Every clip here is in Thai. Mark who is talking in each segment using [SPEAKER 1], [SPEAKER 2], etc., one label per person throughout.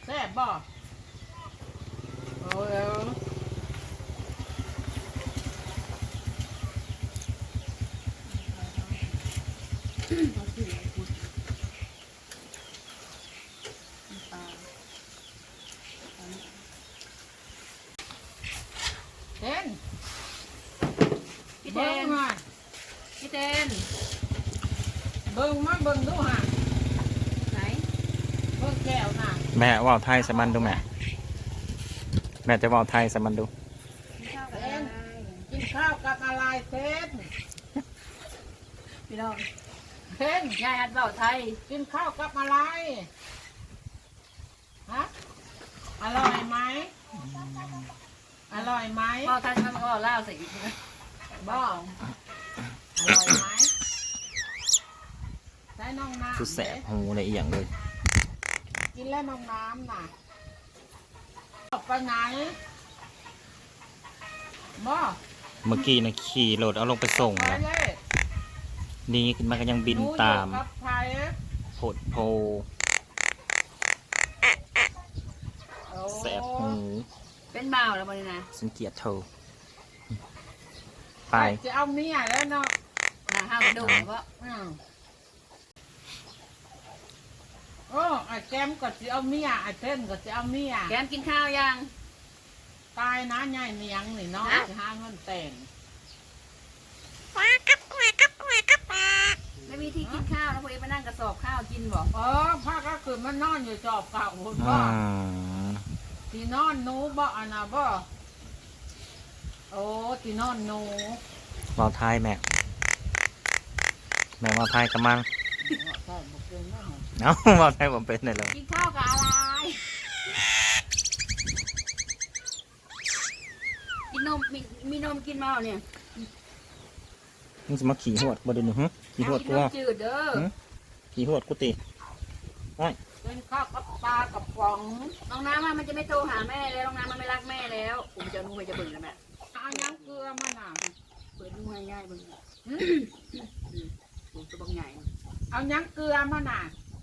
[SPEAKER 1] แซ่บบ่โอ้ยเต้นพี่เต้นมาพี่เต้นเบิ่งมาเบิ่งดูฮะไหนเบิ่งแก้วน่ะ
[SPEAKER 2] แม่ว่าวไทยสมันดูแม่จะว่าวไทยสมันดู
[SPEAKER 1] เต้นกินข้าวกับอะไรเต้น
[SPEAKER 3] พี่น้อง
[SPEAKER 1] เต้น
[SPEAKER 3] ยายอัดเบาไทย
[SPEAKER 1] กินข้าวกับอะไรฮะอร่อยไหมอร่อยไหม
[SPEAKER 3] เบาไทยมันก็เล่าใส่อีกนะ
[SPEAKER 1] บ้าอร่อยไหมใช้น้องน้ำ
[SPEAKER 2] สุดแสบหูในอีหยังเลย
[SPEAKER 1] กินแล้วน้องน้ำน่ะไปไหนบ้า
[SPEAKER 2] เมื่อกี้นะขี่รถเอาลงไปส่งนะนี่ขึ้นมาก็ยังบินตามโผดโพแสบหู
[SPEAKER 3] เป็นบ่าวแล้วมันนะ
[SPEAKER 2] สังเกียจเธอไป
[SPEAKER 1] จะเอาเมียแล้วเนาะ
[SPEAKER 3] ห้ามดูเพราะ
[SPEAKER 1] โอ้ไอ้แก้มก็จะเอาเมียไอ้เต้นก็จะเอาเมีย
[SPEAKER 3] แก้มกินข้าวยัง
[SPEAKER 1] ตายนะใหญ่เนียงนี่เนาะจะหาเงินแต่ง
[SPEAKER 3] ไม่มีที่กินข้าวแล้วพอเอ็มมานั่งกระสอบข้าวกินบอก
[SPEAKER 1] พ่อก็คือมันนอนอยู่จอบเก่าคนบ่ที่นอนหนูบ่อันน่ะบ่โอ้ที่นอนหนู
[SPEAKER 2] ว่าวไทยแม่ว่าวไทยกำมังเอ้าว่าวไทยผมเป็นเลย
[SPEAKER 3] กินข้าวกับอะไรกินนมมีนมกินมาเนี่ย
[SPEAKER 2] มึงจะมาขี่หวดบ่ได้หนูขี่หวดกู
[SPEAKER 3] จืดเด้อ
[SPEAKER 2] ขี่หวดกูตี
[SPEAKER 1] ได้เป็นข้าวกับปลากับฟอง
[SPEAKER 3] น้องน้ำมันจะไม่โตหาแม่แล้วน้องน้ำมันไม่รักแม่แล้วผมจะนุ่งไปจะเบิ่งแล้วแม่
[SPEAKER 1] เอายังเกลือมันน่ะ
[SPEAKER 3] เปิดนุ่งง่ายๆเบิ่งผมจะบังใหญ่
[SPEAKER 1] เอายังเกลือมันน่ะ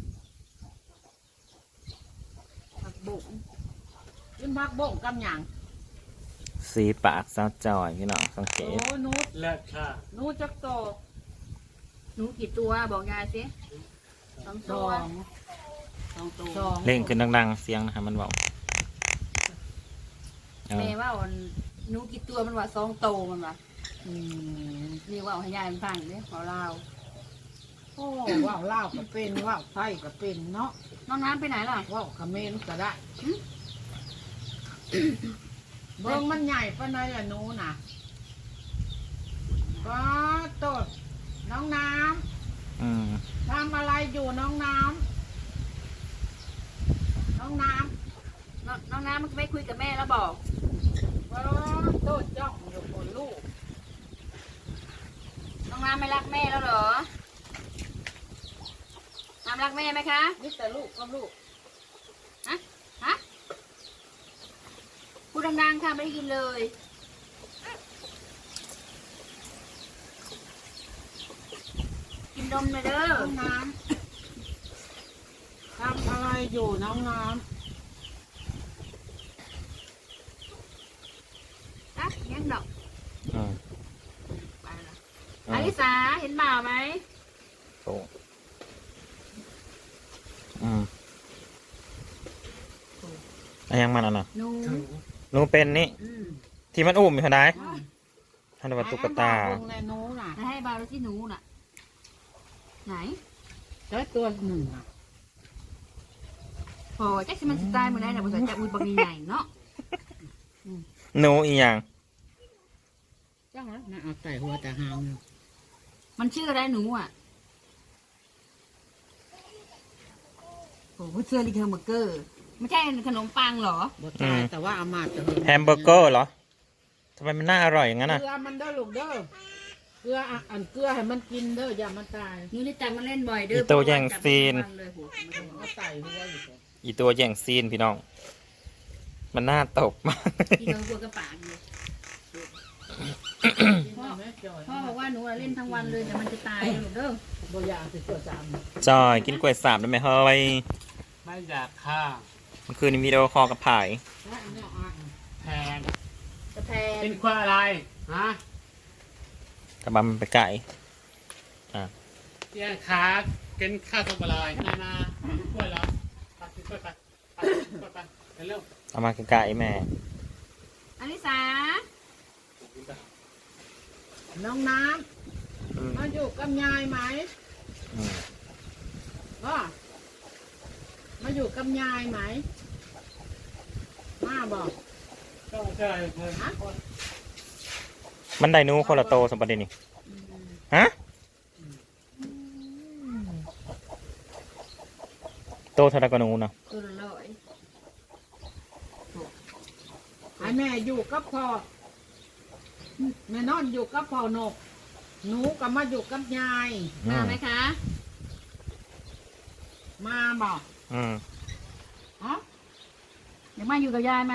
[SPEAKER 3] ผักบุ้ง
[SPEAKER 1] กินผักบุ้งกับหยัง
[SPEAKER 2] สีปากสาวจอยพี่น้องสังเกต
[SPEAKER 1] โอ้นูเลิศค่ะนูจักโต
[SPEAKER 3] นูกี่ตัวบอกยายสิ
[SPEAKER 1] สองตัว
[SPEAKER 2] เล่งขึ้นดังๆเสียงนะฮะมันบอก
[SPEAKER 3] แม่ว่านูกี่ตัวมันว่าสองโตมันว่านี่ว่าให้ยายมันฟังเนี่ยขอเล่า
[SPEAKER 1] โอ้ว่าวเล่าก็เป็นว่าวไทยก็เป็นเนาะ
[SPEAKER 3] น้องน้ำไปไหนล่ะ
[SPEAKER 1] ว่าวเขมรก็ได้เบิ้งมันใหญ่ปะเนยละหนูน่ะก็ตดน้องน้ำทำอะไรอยู่น้องน้ำน้องน้
[SPEAKER 3] ำมันไม่คุยกับแม่แล้วบอก
[SPEAKER 1] ก็ตดจ้องอยู่บนลูก
[SPEAKER 3] น้องน้ำไม่รักแม่แล้วเหรอน้ำรักแม่ไหมคะ
[SPEAKER 1] นี่แต่ลูกก็ลูก
[SPEAKER 3] ฮะพูดดังๆค่ะไม่ได้ยินเลยกินนมเลยเด้อ
[SPEAKER 1] น้องน้ำทำอะไรอยู่น้องน้ำ
[SPEAKER 3] ยังดอกไปละอลิสาเห็นบ่าวไหม
[SPEAKER 2] โอ้ยังมันอ่ะหนูเป็นนี่ที่มันอุ้มอยู่ไหนท่านวัตถุกตา
[SPEAKER 3] ให้บ่าวที่หนูน่ะไหน
[SPEAKER 1] ได้ตัวหนึ่ง
[SPEAKER 3] พอแจ็คมันสไตล์เหมือนได้แต่ภาษาจับมือบางใหญ่เนาะ
[SPEAKER 2] หนูอีหยัง
[SPEAKER 1] จ้าน่าเอาใส่หัวแต่หาง
[SPEAKER 3] มันชื่ออะไรหนูอ่ะโอ้เชื่อลิเทอร์เบอร์เกอร์ไม่ใช่ขนมปังเหรอ
[SPEAKER 1] แต่ว่าอามาจะ
[SPEAKER 2] แฮมเบอร์เกอร์เหรอทำไมมันน่าอร่อยอย่างนั้นอ่ะ
[SPEAKER 1] เกลือมันเด้อลูกเด้อเกลือเกลือให้มันกินเด้ออย่ามันตาย
[SPEAKER 3] นี่ลิจังมันเล่นบ่อยเด้อ
[SPEAKER 2] อีตัวแย่งซีน
[SPEAKER 1] อี
[SPEAKER 2] ตัวแย่งซีนพี่น้องมันน่าตกมาก
[SPEAKER 3] อีตัวกระป๋องเลยพ่อบอกว่าหนูเล่นทั้งวันเลยแต่มันจะตายลูกเด้อ
[SPEAKER 1] บ่อยากสิตัวจาม
[SPEAKER 2] จอยกินกล้วยสาบได้ไหมเฮ้ย
[SPEAKER 1] ไม่อยากค่ะ
[SPEAKER 2] มันคือในวิดีโอคอลกับผาย
[SPEAKER 4] แพง
[SPEAKER 3] กระแพง
[SPEAKER 4] เป็นควายอะไรฮะ
[SPEAKER 2] กระบะมันไปไก่
[SPEAKER 4] เตี้ยขากินข้าวต้มอะไรนาๆกล้วยเหรอไปกินกล้วยไปกล้วยไปเร็ว
[SPEAKER 2] เอามาไก่แม่
[SPEAKER 3] อลิสา
[SPEAKER 1] น้องน้ำมาอยู่กับยายไหม
[SPEAKER 2] อืม
[SPEAKER 1] ก็มาอยู่กับยายไหมมาบอก
[SPEAKER 4] ก็ใช่เงิน
[SPEAKER 2] มันไดหนูคนละโตสมบัตินี่ฮะโตเท่าไรกว่าหนูนะ
[SPEAKER 3] ตัวละร้อย
[SPEAKER 1] ให้แม่อยู่กับพ่อแม่นอนอยู่กับพ่อนกหนูก็มาอยู่กับยาย
[SPEAKER 3] มาไหมคะ
[SPEAKER 1] มาบอก
[SPEAKER 2] อืม
[SPEAKER 1] อ๋อ
[SPEAKER 3] เดี๋ยวมาอยู่กับยายไหม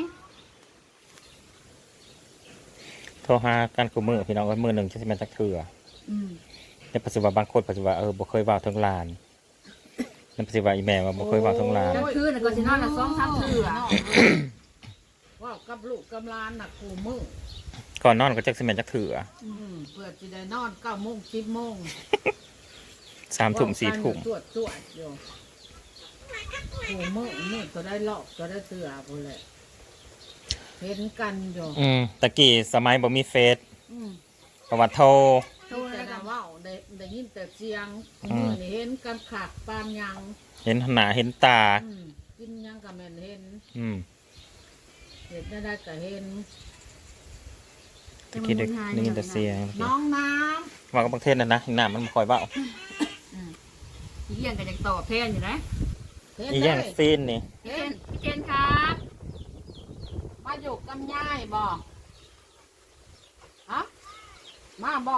[SPEAKER 2] โทรหากันกูมือพี่น้องก็มือหนึ่งจะเป็นจักเถื่อ
[SPEAKER 3] อืม
[SPEAKER 2] ในปัจจุบันบางคนปัจจุบันบ่เคยว่าวทั้งลานในปัจจุบันอีแม่ว่าบ่เคยว่าวทั้งลาน
[SPEAKER 3] กลางคืนน่ะก็สินอนละ2-3เทื่อ
[SPEAKER 1] ว่ากับลูกกับหลานน่ะกูมือ
[SPEAKER 2] ก่อนนอนก็จักสิแม่นจักเถื่อ
[SPEAKER 1] เพื่อจะได้นอน9 โมง 10 โมง
[SPEAKER 2] 3 ทุ่ม 4 ทุ่ม
[SPEAKER 1] ตรวจอยู่กูมือก็ได้หลอกก็ได้เสือพูนแหละเห็นกันอยู่
[SPEAKER 2] ตะกี้สมัยบ่มีเฟซ
[SPEAKER 1] อืม
[SPEAKER 2] ประวัติโทร
[SPEAKER 3] โทร
[SPEAKER 1] แต่
[SPEAKER 3] แล้วกั
[SPEAKER 1] ละ
[SPEAKER 3] น
[SPEAKER 1] ว่าได้ยินแต่เสียง
[SPEAKER 2] อืม
[SPEAKER 1] มือนี่เห็นกันขากปานยัง
[SPEAKER 2] เห็นหน้าเห็นตา
[SPEAKER 1] กินยังกับแม่นเห็น
[SPEAKER 2] อืม
[SPEAKER 1] เห็นได้ก็เห็น
[SPEAKER 2] ตะกี้ได้ยินแต่เสียง
[SPEAKER 1] น้องน้
[SPEAKER 2] ว่ากับบางเทศนั่นนะหน้ามันบ่ค่อยเว้า
[SPEAKER 3] อีเยี่ยงก็ยังตอบแทนอยู่นะ
[SPEAKER 1] ำเห็น
[SPEAKER 2] อี
[SPEAKER 1] เล
[SPEAKER 2] แย่ง
[SPEAKER 1] ย
[SPEAKER 2] ซีนนี่
[SPEAKER 3] พี่เจนครับ
[SPEAKER 1] มาอยู่กับยายบ่ฮะมาบ่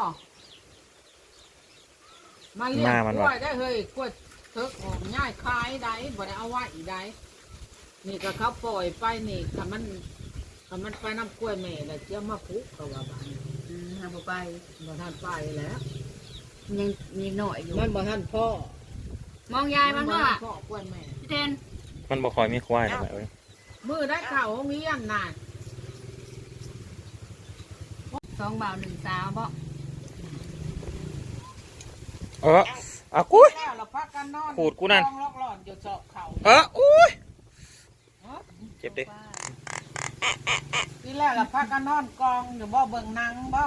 [SPEAKER 1] มาเลี้ยงกล้วยได้เฮ้ยกล้วยเถิกออกง่ายคายได้บ่ได้เอาไว้อีได้นี่ก็เขาปล่อยไปนี่ถ้ามันไปน้ำกล้วยแม่แล้วเจ้ามาพุกเขาว่าบ้าน
[SPEAKER 3] ทำไป
[SPEAKER 1] บ่ทันไปแล้ว
[SPEAKER 3] ยังมีหน่อยอยู่
[SPEAKER 1] มันบ่ทันพ่อ
[SPEAKER 3] มองยายมันว่า
[SPEAKER 1] พ่อกล้วยแม่
[SPEAKER 3] พี่เจน
[SPEAKER 2] มันบ่ค่อยมีควายแล้วแม่เอ้ย
[SPEAKER 1] มือได้ข่าวโรงเรียนน่ะ
[SPEAKER 3] 2 บ่าว 1 สาวบ่
[SPEAKER 2] อะกุ้ย
[SPEAKER 1] แล้วเราพักกันนอน
[SPEAKER 2] ขูดกูนั่น
[SPEAKER 1] ลอกหลอนอยู่เจาะเข่า
[SPEAKER 2] อุ้ยเจ็บดิ
[SPEAKER 1] ที่แรกเราพักกันนอนกองอยู่บ่เบิ่งหนังบ่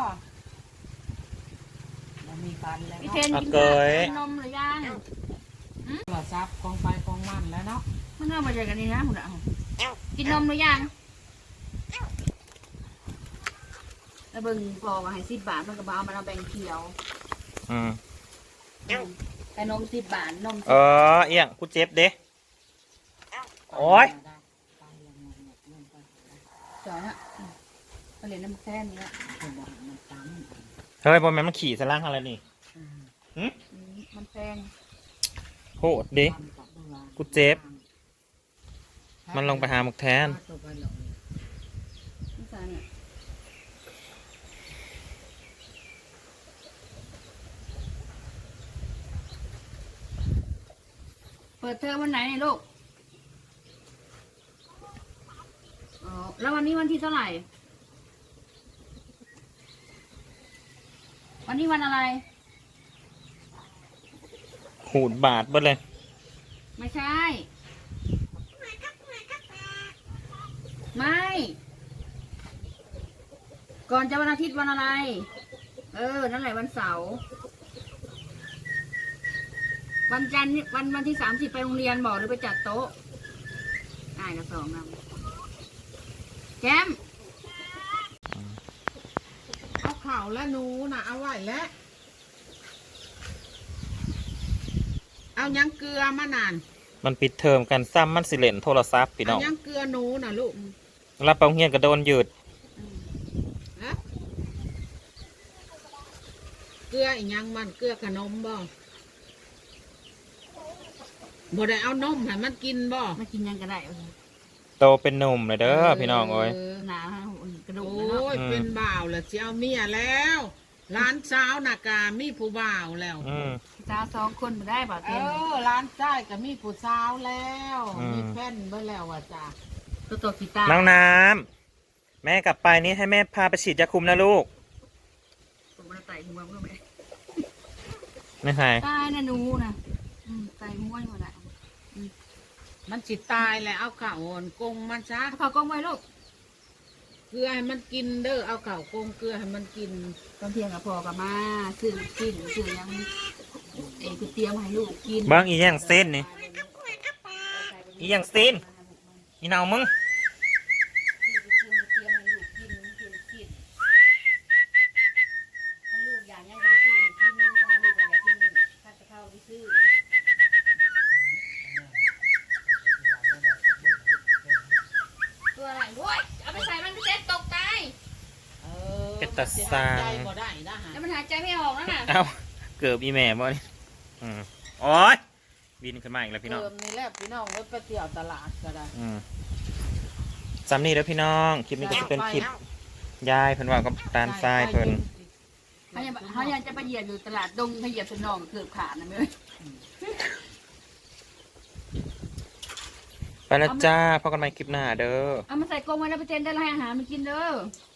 [SPEAKER 1] บ่มีฟันแล้ว
[SPEAKER 3] พี่
[SPEAKER 1] เนาะ
[SPEAKER 3] เทนกินข้าวกินนมหรือยัง
[SPEAKER 1] โทรศัพท์กองไปกองมันแล้วเนาะ
[SPEAKER 3] มันเอามาจากกันนี่นะคุณอ่ะกินนมหรือยังแล้วเบิ่งพอมาให้10 บาทมันก็บ่เอามาเอาแบ่งเขียว
[SPEAKER 2] อืม
[SPEAKER 3] แต่นม10 บาทนม
[SPEAKER 2] เอียงกูเจ็บเด้โอ้ย
[SPEAKER 3] จอยฮะไปเรียนน้ำแค่นี้ละ
[SPEAKER 2] เฮ้ยบอลแม่นมันขี่สล่างอะไรนี่
[SPEAKER 3] มันแพง
[SPEAKER 2] โหดดิกูเจ็บ มันลงไปหาหมกแทน
[SPEAKER 3] นี่ซาเนี่ยเปิดเทอมวันไหนเนี่ยลูกอ๋อแล้ววันนี้วันที่เท่าไหร่ วันนี้วันอะไร
[SPEAKER 2] หูดบาดเบิดเลย
[SPEAKER 3] ไม่ใช่ ไม่ ก่อนจะวันอาทิตย์วันอะไร นั่นแหละวันเสาร์ วันจันทร์นี่วันที่30ไปโรงเรียนบอกหรือไปจัดโต๊ะได้ละ2 นำแจม
[SPEAKER 1] เอาข่าวและหนูน่ะเอาไว้แล้วเอายังเกลือมานาน
[SPEAKER 2] มันปิดเทอมกันซ้ำมันสิเล่นโทรศัพท์พี่น้
[SPEAKER 1] เอา
[SPEAKER 2] อง
[SPEAKER 1] ยังเกลือหนูน่ะลูก
[SPEAKER 2] รับไปโรงเรียนก็โดนหยุด
[SPEAKER 1] ฮะเกลืออีกยังมันเกลือขนมบ่บ่ได้เอานมให้มันกินบ่
[SPEAKER 3] มากินยังก็ได้
[SPEAKER 2] โตเป็นหนุ่มเลยเด้อพี่น้องโอ้ย
[SPEAKER 3] หนากระดูก
[SPEAKER 1] โอ้
[SPEAKER 3] แล้วเนาะ
[SPEAKER 1] ยเป็นบ่าวแล้วสิเอาเมียแล้วร้านสาวน่ะกามีผู้บ่าวแล้ว
[SPEAKER 3] สาว2 คนมาได้บ่าว
[SPEAKER 1] เอ
[SPEAKER 3] เต็ม
[SPEAKER 1] อร้านชายก็มีผู้สาวแล้ว
[SPEAKER 2] อืม
[SPEAKER 1] มีแฟนเบิ่แล้วอ่ะจ้ะ
[SPEAKER 3] ตัวกีตาร์
[SPEAKER 2] น้องน้ำแม่กลับไปนี้ให้แม่พาไปฉีดยาคุมนะลูก
[SPEAKER 3] ผมมาไต่หัวเพื่อไหม
[SPEAKER 2] ไม่ใช่
[SPEAKER 3] ตายนะหนูนะไต่หัวอยู่น่ะ
[SPEAKER 1] มันสิตายแล้วเอาข้าวโอนกงมันซะ
[SPEAKER 3] เขากล้องไว้ลูก
[SPEAKER 1] เกลือให้มันกินเด้อเอาข้าวกงเกลือให้มันกิน
[SPEAKER 3] ตอนเที่ยงกับพ่อกับมาซื้อกินซื้อยังคือเตรียมให้ลูกกิน
[SPEAKER 2] เบิ้งอีหยังเส้นนี่อีหยังเส้นอีเนามึง
[SPEAKER 3] ตัวอะไรโว้ยเอาไปใส่มันเซ็ตตกใจ
[SPEAKER 2] เป็นตาซาง
[SPEAKER 1] ใจบ่ได้นะฮะ
[SPEAKER 3] แล้วมันหายใจไม่ออกแล้วน่ะ
[SPEAKER 2] เอ้าเกือบอีแม่บ่นี่โอ้ยบินขึ้นมาอีกแล้วพี่น้อง
[SPEAKER 1] เติมนี่แหละพี่น้องไว้ไปเที่ยวตลาดก็ได้
[SPEAKER 2] ซ้ำนี่แล้วพี่น้องคลิปนี้ก็จะเป็นคลิปยายเพิ่นว่ากับตาลทรายเพิ่น
[SPEAKER 3] เขายังจะไปเหยียบอยู่ตลาดดงเขาเหยียบสนองเกือบขาดนะเมื่อ
[SPEAKER 2] ไปแล้วจ้าพบกันใหม่คลิปหน้าเด้อ
[SPEAKER 3] เอามาใส่กรงไว้แล้วไปเจนได้ให้อาหารมันกินเด้อ